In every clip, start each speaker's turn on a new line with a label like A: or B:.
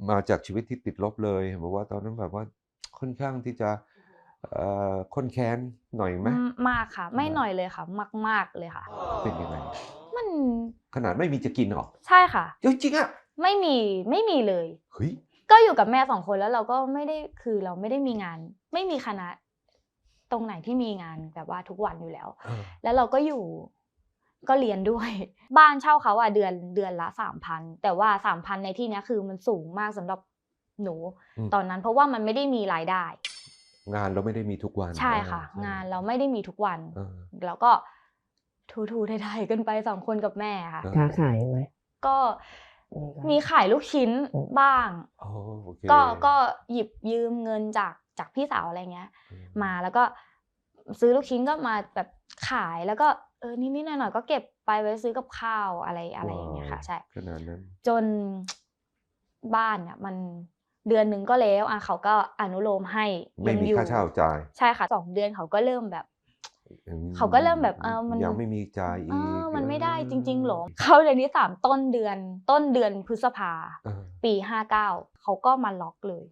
A: มาจากชีวิตที่ติดลบเลยบอกว่าตอนนั้นแบบว่าค่อนข้างที่จะข้นแค้นหน่อยไหม
B: มากค่ะไม่หน่อยเลยค่ะมากๆเลยค่ะ
A: เป็นยังไง
B: มัน
A: ขนาดไม่มีจะกินเหรอ
B: ใช่ค่ะ
A: จริงๆอะ
B: ไม่มีเลย
A: เฮ้ย
B: ก็อยู่กับแม่2คนแล้วเราก็ไม่ได้คือเราไม่ได้มีงานไม่มีคณะตรงไหนที่มีงานแบบว่าทุกวันอยู่แล้วแล้วเราก็อยู่ก็เรียนด้วยบ้านเช่าเขาอะเดือนละ 3,000 แต่ว่า 3,000 ในที่นี้คือมันสูงมากสำหรับหนูตอนนั้นเพราะว่ามันไม่ได้มีรายได้
A: งานเราไม่ได้มีทุกวัน
B: ใช่ค่ะงานเราไม่ได้มีทุกวันแล้วก็ทูๆไทยๆกันไป2คนกับแม่ค่ะ
C: ค้าขายไหม
B: ก็มีขายลูกชิ้นบ้างก็หยิบยืมเงินจากพี่สาวอะไรเงี้ยมาแล้วก็ซื้อลูกชิ้นก็มาแบบขายแล้วก็นิดๆหน่อยๆก็เก็บไปไว้ซื้อกับข้าวอะไรอย่างเงี้ยค่ะใช่
A: ขนาดนั้น
B: จนบ้านเนี่ยมันเดือนนึงก็แล้วเขาก็อนุโลมให้
A: ไม่มีค่าเช่าจ่าย
B: ใช่ค่ะ2เดือนเขาก็เริ่มแบบมัน
A: ยังไม่มีจ่ายอีก
B: มันไม่ได้จริงๆหรอเข้าเดือนที่3ต้นเดือนพฤษภาปี59เขาก็มาล็อกเลย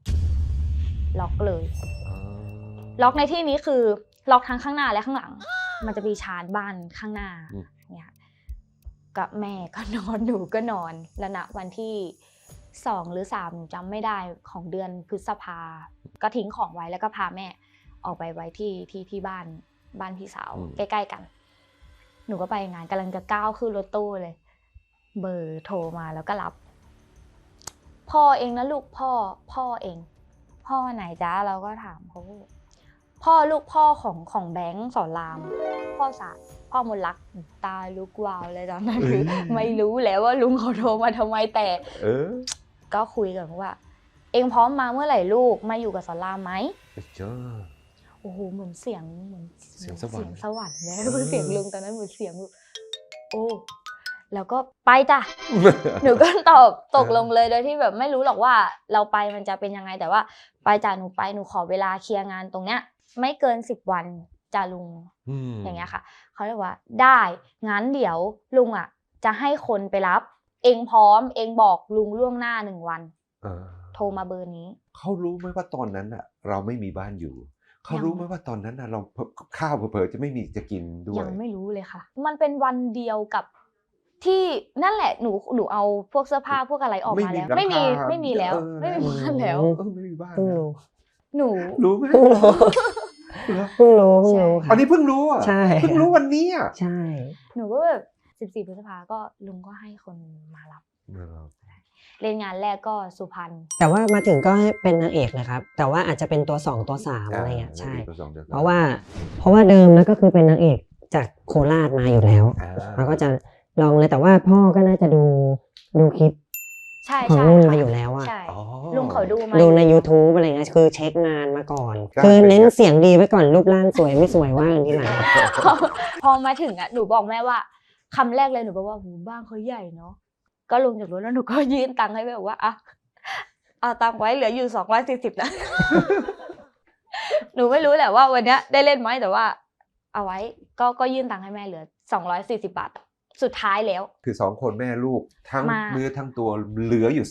B: ล็อกในที่นี้คือล็อกทั้งข้างหน้าและข้างหลังมันจะมีชานบ้านข้างหน้าเนี่ยกับแม่ก็นอนหนูก็นอนแล้วณวันที่2หรือ3หนูจำไม่ได้ของเดือนพฤษภาก็ทิ้งของไว้แล้วก็พาแม่ออกไปไว้ที่บ้านพี่สาวใกล้ๆกันหนูก็ไปงานกำลังจะก้าวขึ้นรถตู้เลยเบอร์โทรมาแล้วก็รับพ่อเองนะลูกพ่อเองพ่อไหนจ๊ะเราก็ถามเขาพ่อลูกพ่อของแบงค์สอนรามพ่อศาสตร์พ่อมนลักตาลุกวาวเลยตอนนั้นคือไม่รู้แล้วว่าลุงเขาโทรมาทำไมแต่ก็คุยกันว่าเองพร้อมมาเมื่อไหร่ลูกมาอยู่กับสอนรามไหมโอ้โหเหมือนเสียงสวรรค์นะคือเสียงลุงตอนนั้นเหมือนเสียงโอ้แล้วก็ไปจ้ะ หนูก็ตอบตกลงเลยโดยที่แบบไม่รู้หรอกว่าเราไปมันจะเป็นยังไงแต่ว่าไปจ้ะหนูขอเวลาเคลียร์งานตรงเนี้ยไม่เกิน10 วันจ้ะลุงอย่างเงี้ยค่ะเขาเลยว่าได้งั้นเดี๋ยวลุงจะให้คนไปรับเองพร้อมเองบอกลุงล่วงหน้า1 วันโทรมาเบอร์นี้
A: เขารู้ไหมว่าตอนนั้นเราไม่มีบ้านอยู่เขารู้ไหมว่าตอนนั้นเราข้าวเผลอๆจะไม่มีจะกินด้วย
B: ยังไม่รู้เลยค่ะมันเป็นวันเดียวกับที่นั่นแหละหนูเอาพวกเสื้อผ้าพวกอะไรออกมาแล้วไม่มีแล้วไม่มีบ้านแล้ว
A: ไม่มีบ้าน
B: หนู
A: รู้ไหม
C: เพิ่งรู้
A: อันนี้เพิ่งรู้
C: ใช่
A: เพิ่งรู้วันนี้
C: ใช่
B: หนูก็แบบ14 พฤษภาก็ลุงก็ให้คนมารับเล่นงานแรกก็สุพรรณ
C: แต่ว่ามาถึงก็ให้เป็นนางเอกนะครับแต่ว่าอาจจะเป็นตัว2ตัว3อะไรเงี้ยใช่เพราะว่าเดิมแล้วก็คือเป็นนางเอกจากโคราชมาอยู่แล้วแล้วก็จะลองเลยแต่ว่าพ่อก็น่าจะดูคลิปของนุ่นมาอยู่แล้ว
B: ลุงเขา
C: ดูใน YouTube อะไรเงี้ยคือเช็คงานมาก่อนคือเน้นเสียงดีไว้ก่อนรูปร่างสวยไม่สวยว่าอย่างนี้หลัง
B: พอมาถึงหนูบอกแม่ว่าคำแรกเลยหนูบอกว่าหูบ้านเขาใหญ่เนาะก็ลงจากรถแล้วหนูก็ยื่นตังค์ให้แม่บอกว่าเอาตังค์ไว้เหลืออยู่240นะหนูไม่รู้แหละว่าวันนี้ได้เล่นไหมแต่ว่าเอาไว้ก็ยื่นตังค์ให้แม่เหลือ240 บาทสุดท้ายแล้ว
A: คือ2คนแม่ลูกทั้งเนื้อทั้งตัวเหลืออยู่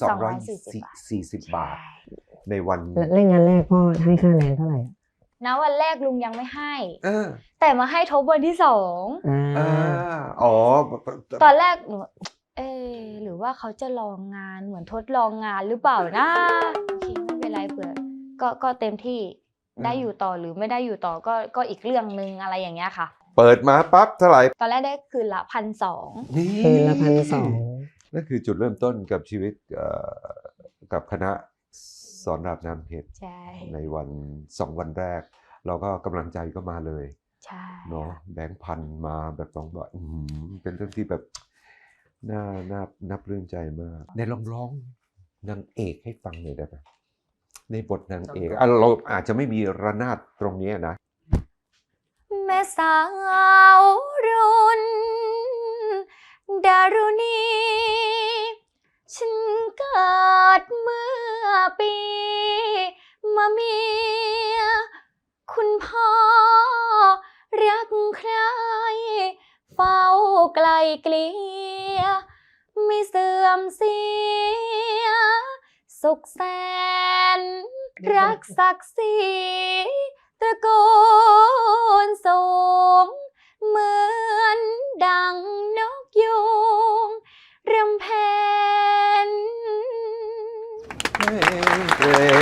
A: 240 บาทในวัน
C: เล่นงานแรกพ่อให้ค่าแรงเท่าไหร่
B: ณวันแรกลุงยังไม่ให้แต่มาให้ทบวันที่2ตอนแรกหนูหรือว่าเขาจะลองงานเหมือนทดลองงานหรือเปล่านะโอเคไม่เป็นไรเผื่อก็เต็มที่ได้อยู่ต่อหรือไม่ได้อยู่ต่อก็อีกเรื่องนึงอะไรอย่างเงี้ยค่ะ
A: เปิดมาปั๊บเท่าไหร่
B: ตอนแรกได้คืนละ 1,200
C: คืนละ 1,200
A: นั่นคือจุดเริ่มต้นกับชีวิตกับคณะสอนรามน้ำเพชรในวัน2 วันแรกเราก็กำลังใจก็มาเลยเนาะแบงค์พันมาแบบ2 บาทเป็นเรื่องที่แบบน่าปลื้มใจมากในร้องนางเอกให้ฟังหน่อยได้ไหมในบทนางเอกเราอาจจะไม่มีระนาดตรงนี้นะ
B: แม่สาวรุ่นดารุณีฉันเกิดเมื่อปีมะเมียคุณพ่อรักใครเฝ้าไกลเกลี่ยไม่เสื่อมเสียสุขแสนรักศักดิ์ศรีตระกูลสูงเหมือนดังนกยูงรำเพน
A: เก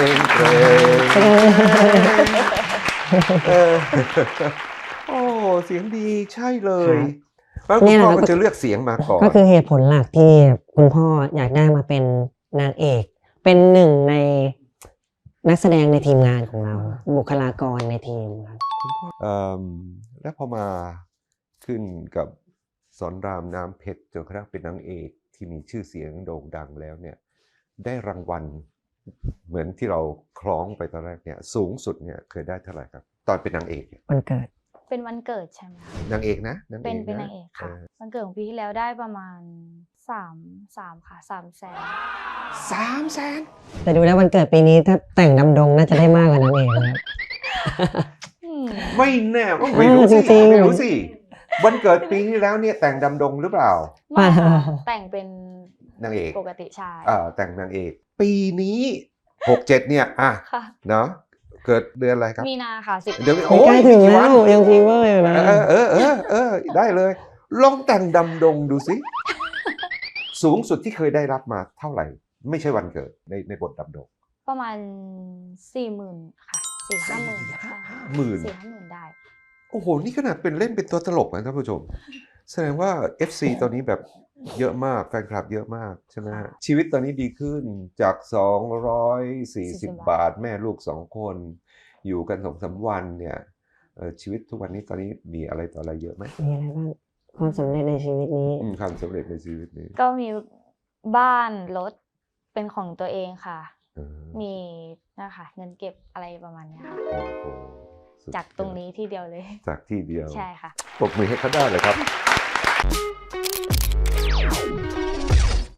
A: รงโอ้เสียงดีใช่เลยแล้วคุณพ่อก็จะเลือกเสียงมาก่อน
C: ก็คือเหตุผลหลักที่คุณพ่ออยากได้มาเป็นนางเอกเป็นหนึ่งในนักแสดงในทีมงานของเราบุคลากรในทีมครับ
A: แล้วพอมาขึ้นกับสอนรามน้ำเพชรจนกระทั่งเป็นนางเอกที่มีชื่อเสียงโด่งดังแล้วเนี่ยได้รางวัลเหมือนที่เราคล้องไปตอนแรกเนี่ยสูงสุดเนี่ยเคยได้เท่าไหร่ครับตอนเป็นนางเอก
C: วันเกิด
B: เป็นวันเกิดใช่ไหมคะ
A: นางเอกนะ
B: เป็นนางเอกค่ะวันเกิดของปีที่แล้วได้ประมาณ3ค่ะ300,000
C: แต่ดูแล้ววันเกิดปีนี้ถ้าแต่งดำดงน่าจะได้มากกว่านางเอกนะ
A: ไม่แน่ไม่รู้สิวันเกิดปีที่แล้วเนี่ยแต่งดำดงหรือเปล่า
B: ไม่แต่งเป็น
A: นางเอก
B: ปกติใช่
A: แต่งนางเอกปีนี้67เนี่ยเนาะเกิดเดือนอะไรครับ
B: มีนาค่ะ10
A: เดี๋ยวใก
C: ล้ถึงแล้วยังฟีเวอร์อยู่นะ
A: ได้เลยลองแต่งดำดงดูสิสูงสุดที่เคยได้รับมาเท่าไหร่ไม่ใช่วันเกิดในบทดำดง
B: ประมาณ40,000ค่ะ4-50,000ได้
A: โอ้โหนี่ขนาดเป็นเล่นเป็นตัวตลกนะท่านผู้ชมแสดงว่า FC ตอนนี้แบบเยอะมากแฟนคลับเยอะมากใช่ไหมชีวิตตอนนี้ดีขึ้นจาก240 บาทแม่ลูก2คนอยู่กัน2-3 วันเนี่ยชีวิตทุกวันนี้ตอนนี้มีอะไรต่ออะไรเยอะไหม
C: มีอะไรบ้างความสำเร็จในชีวิตนี้
A: ความสำเร็จในชีวิตนี้
B: ก็มีบ้านรถเป็นของตัวเองค่ะมีนะคะเงินเก็บอะไรประมาณนี้ค่ะจากตรงนี้ที่เดียวเลย
A: จากที่เดียว
B: ใช่ค่ะ
A: ปรบมือให้เขาได้เลยครับ